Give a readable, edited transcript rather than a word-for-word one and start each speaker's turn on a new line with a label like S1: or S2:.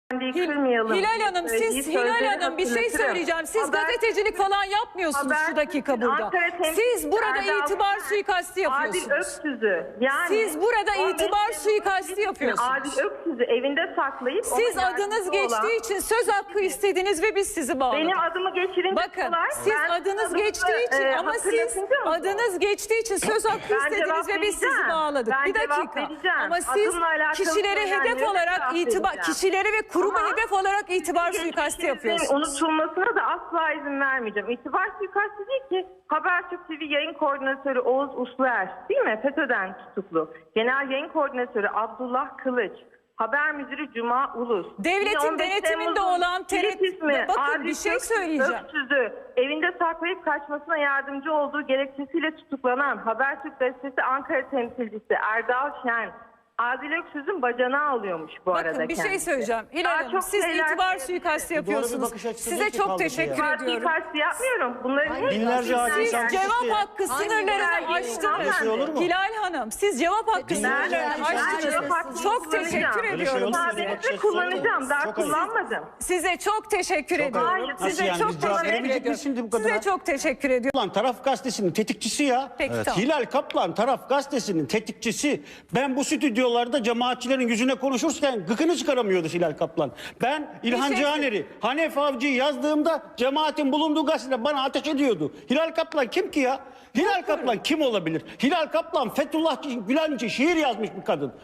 S1: Hilal Hanım, bir şey söyleyeceğim. Siz gazetecilik falan yapmıyorsunuz şu dakika burada. Siz burada itibar suikasti yapıyorsunuz.
S2: Adil Öksüz'ü
S1: Siz burada itibar suikasti yapıyorsunuz.
S2: Adil Öksüz'ü evinde saklayıp
S1: siz adınız geçtiği için söz hakkı istediniz ve biz sizi bağladık.
S2: Benim adımı geçirince
S1: bakın siz adınız geçtiği için ama siz adınız geçtiği için söz hakkı istediniz ve biz sizi bağladık. Bir dakika. Ama siz kişilere hedef olarak kişilere ve kuruma hedef olarak itibar suikasti yapıyorsunuz.
S2: Unutulmasına da asla izin vermeyeceğim. İtibar suikasti değil ki. Habertürk TV yayın koordinatörü Oğuz Usluer, değil mi? FETÖ'den tutuklu. Genel yayın koordinatörü Abdullah Kılıç. Haber müdürü Cuma Ulus.
S1: Devletin denetiminde olan bakın bir şey söyleyeceğim.
S2: Öksüz'ü evinde saklayıp kaçmasına yardımcı olduğu gerekçesiyle tutuklanan Habertürk gazetesi Ankara temsilcisi Erdal Şen, Adil Öksüz'ün bacanağı alıyormuş bu arada.
S1: Bakın bir şey söyleyeceğim. Hilal Hanım, siz itibar suikasti yapıyorsunuz. Size çok teşekkür ediyorum.
S2: Suikasti yapmıyorum. Bunların
S3: binlerce
S1: siz cevap hakkı sınırlarını aştınız. Hilal Hanım, siz cevap hakkı sınırlarını aştınız. Çok teşekkür ediyorum.
S2: Sadece kullanacağım. Daha kullanmadım.
S1: Size çok teşekkür ediyorum. Size çok teşekkür ediyorum. Size çok teşekkür ediyorum.
S3: Kaplan Taraf Gazetesi'nin tetikçisi ya. Hilal Kaplan Taraf Gazetesi'nin tetikçisi. Ben bu stüdyolarda cemaatçilerin yüzüne konuşurken gıkını çıkaramıyordu Hilal Kaplan. Ben İlhan Cihaner'i, Hanef Avcı'yı yazdığımda cemaatin bulunduğu gazetede bana ateş ediyordu. Hilal Kaplan kim ki ya? Hilal Kaplan kim olabilir? Hilal Kaplan Fethullah Gülen için şiir yazmış bir kadın.